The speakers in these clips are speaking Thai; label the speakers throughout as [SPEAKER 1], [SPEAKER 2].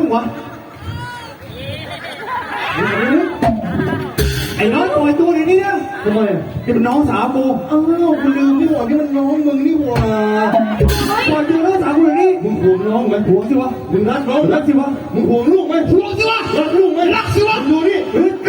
[SPEAKER 1] วะไอ้น้องปล่อยตัวเดี๋ยวนี้นะทำไมที่เป็นน้องสาวกูอ้าวกูลืมนี่หว่านี่มันน้องมึงนี่หว่าปล่อยตัวน้องสาวกูเดี๋ยวนี้มึงห่วงน้องไหมห่วงสิวะมึงรักน้องรักสิวะมึงห่วงลูกไหมห่วงสิวะรักลูกไหมรักสิวะดูนี่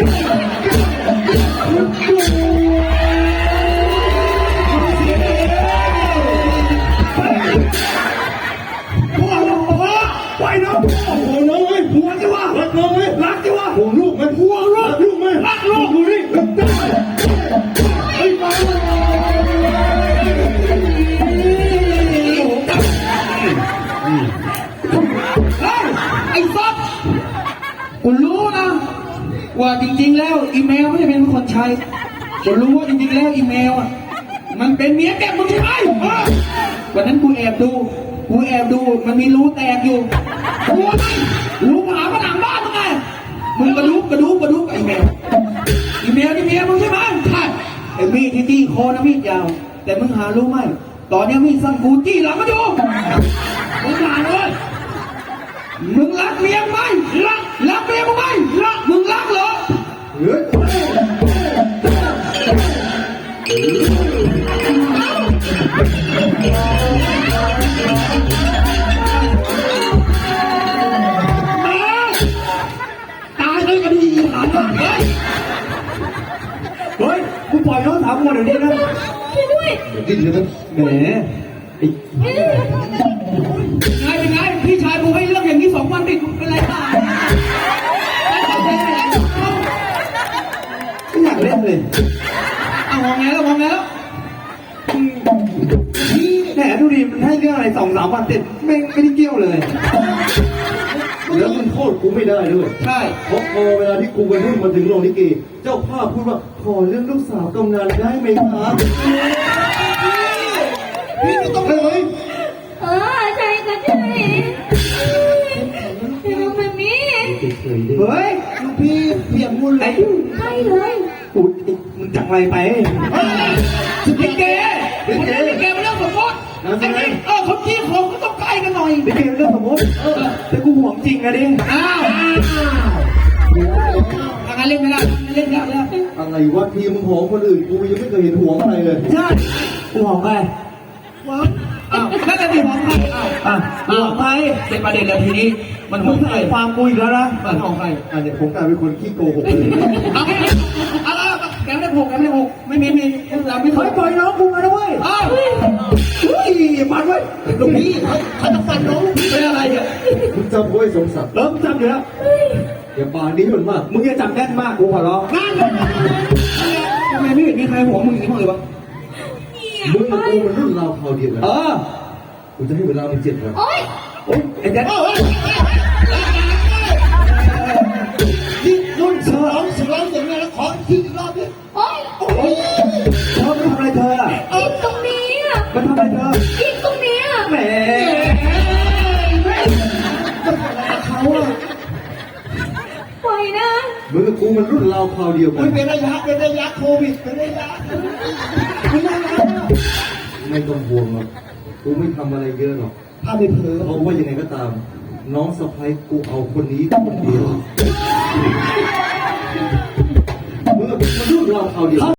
[SPEAKER 1] ไปน้องห่วงน้องไหมห่วงสิวะรักน้องไหมรักสิวะห่วงลูกไหมห่วงลูกไหมรักลูกดูนี่ไอ้บ้าไอ้ซับกูรู้นะว่าจริงๆแล้วอีเมลไม่ได้เป็นคนใช้กูรู้ว่าจริงๆแล้วอีเมลอ่ะมันเป็นเมียแกมึงใช่ไหมวันนั้นกูแอบดูมันมีรูแตกอยู่กูไม่รูผาผนังบ้านมึงไงมึงกระดูกกับอีเมลนี่เมียมึงใช่ไหมใช่ไอ้มีดที่จี้คอนะมีดยาวแต่มึงหารู้ไหมตอนนี้มีดสั้นกูจี้หลังมาดูมึงหาเลยมึงรักเมียไหมรักเมียมึงไหมมึงรักเหรอตายเลยกันดีหาเฮ้ยกูปล่อยน้องสาวกูเดี๋ยวนี้นะด้วยดิ้นเลยนะแหมเป็นไงพี่ชายกูให้เรื่องอย่างนี้2 วันติดเป็นไรบ้างไม่อยากเล่นเลยเอามองไงแล้วแหมดูดิมันให้เรื่องอะไร2-3 วันติดไม่ได้เกี่ยวเลยแล้วมันโทษกูไม่ได้ด้วยใช่เพราะพอเวลาที่กูไปรุ่นมาถึงโรงลิเกเจ้าภาพพูดว่าขอเรื่องลูกสาวกำนันได้ไหมครับพี่ไม่ต้องเลย
[SPEAKER 2] ใช่ก็ใช่แบบนี้
[SPEAKER 1] เฮ้ยลูกพี่เพียงมูลไหล
[SPEAKER 2] ใช่เลย
[SPEAKER 1] กูมึงจังไรไปลิเกมันเรื่องสมมติคนที่ของก็ต้องใกล้กันหน่อยลิเกเรื่องสมมติแต่กูห่วงจริงนะดิอ้าวอะไรเล่นไม่ได้เล่นยากแล้วอะไรวะทีมึงห่วงคนอื่นกูยังไม่เคยเห็นห่วงอะไรเลยใช่กูห่วงใครน่าจะมีห่วงใครห่วงใครเป็นประเด็นแล้วทีนี้มันห่วงใครความกูอีกแล้วนะมันห่วงใครเนี่ยผมกลายเป็นคนขี้โกหกเลยแกไม่ได้หกไม่มีเราไม่เคยปล่อยน้องกูมาด้วยมันไว้ตรงนี้เขาจะฟันน้องเป็นอะไรเนี่ยมึงจำไว้สมศักดิ์มึงจำอยู่แล้วอย่าปากนี้มันมากมึงอย่าจำแน่นมากกูขอร้องทำไมไม่เห็นมีใครห่วงมึงอย่างนี้บ้างเลยวะมึงกับกูมันรุ่นราวคราวเดียวกันกูจะให้เวลามัน7 วันโอ๊ยไอ้แจ๊ดนี่รุ่นฉลองอย่างไรแล้วขอทีอีกรอบดิโอ๊ยมันทำอะไรเธอ
[SPEAKER 2] อีกตรงนี้
[SPEAKER 1] มันทำอะไรเธอ
[SPEAKER 2] อีกตรงนี้
[SPEAKER 1] แหม
[SPEAKER 2] ปล่อยนะ
[SPEAKER 1] มึงกับกูมันรุ่นราวคราวเดียวกันเป็นระยะโควิดเป็นระยะไม่ต้องห่วงหรอกกูไม่ทำอะไรเยอะหรอกถ้าไม่เผลอเพราะว่ายังไงก็ตามน้องสะใภ้กูเอาคนนี้คนเดียวมึงกับกูมันรุ่นราวคราวเดียว